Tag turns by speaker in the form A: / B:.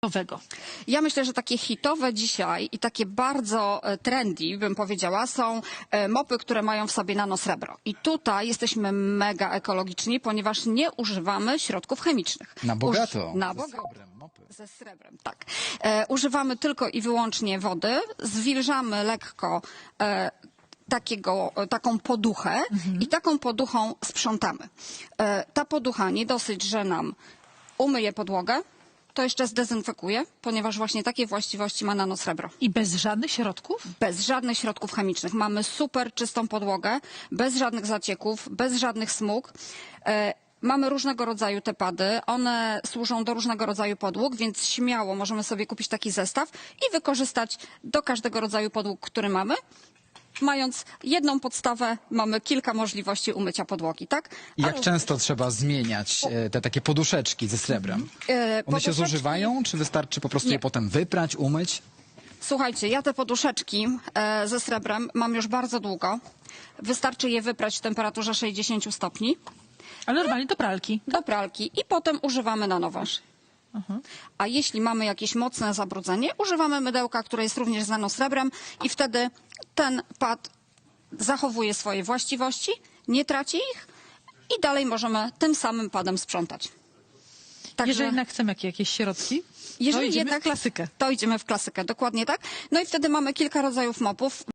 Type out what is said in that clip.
A: Nowego.
B: Ja myślę, że takie hitowe dzisiaj i takie bardzo trendy, bym powiedziała, są mopy, które mają w sobie nanosrebro. I tutaj jesteśmy mega ekologiczni, ponieważ nie używamy środków chemicznych.
C: Na bogato.
B: Na
C: Ze
B: bogato.
C: srebrem, mopy.
B: Ze srebrem, tak. Używamy tylko i wyłącznie wody, zwilżamy lekko taką poduchę i taką poduchą sprzątamy. Ta poducha nie dosyć, że nam umyje podłogę, to jeszcze zdezynfekuje, ponieważ właśnie takie właściwości ma nanosrebro.
A: I bez żadnych środków?
B: Bez żadnych środków chemicznych. Mamy super czystą podłogę, bez żadnych zacieków, bez żadnych smug. Mamy różnego rodzaju te pady, one służą do różnego rodzaju podłóg, więc śmiało możemy sobie kupić taki zestaw i wykorzystać do każdego rodzaju podłóg, który mamy. Mając jedną podstawę, mamy kilka możliwości umycia podłogi, tak?
C: I jak często trzeba zmieniać te takie poduszeczki ze srebrem? One się zużywają, czy wystarczy po prostu
B: Nie.
C: je potem wyprać, umyć?
B: Słuchajcie, ja te poduszeczki ze srebrem mam już bardzo długo. Wystarczy je wyprać w temperaturze 60 stopni
A: Ale normalnie do pralki.
B: do pralki i potem używamy na nowo. A jeśli mamy jakieś mocne zabrudzenie, używamy mydełka, które jest również z nanosrebrem i wtedy ten pad zachowuje swoje właściwości, nie traci ich i dalej możemy tym samym padem sprzątać. Także,
A: Jeżeli jednak chcemy jakieś środki, to
B: jeżeli
A: idziemy
B: jednak
A: w klasykę.
B: To idziemy w klasykę, dokładnie tak. No i wtedy mamy kilka rodzajów mopów.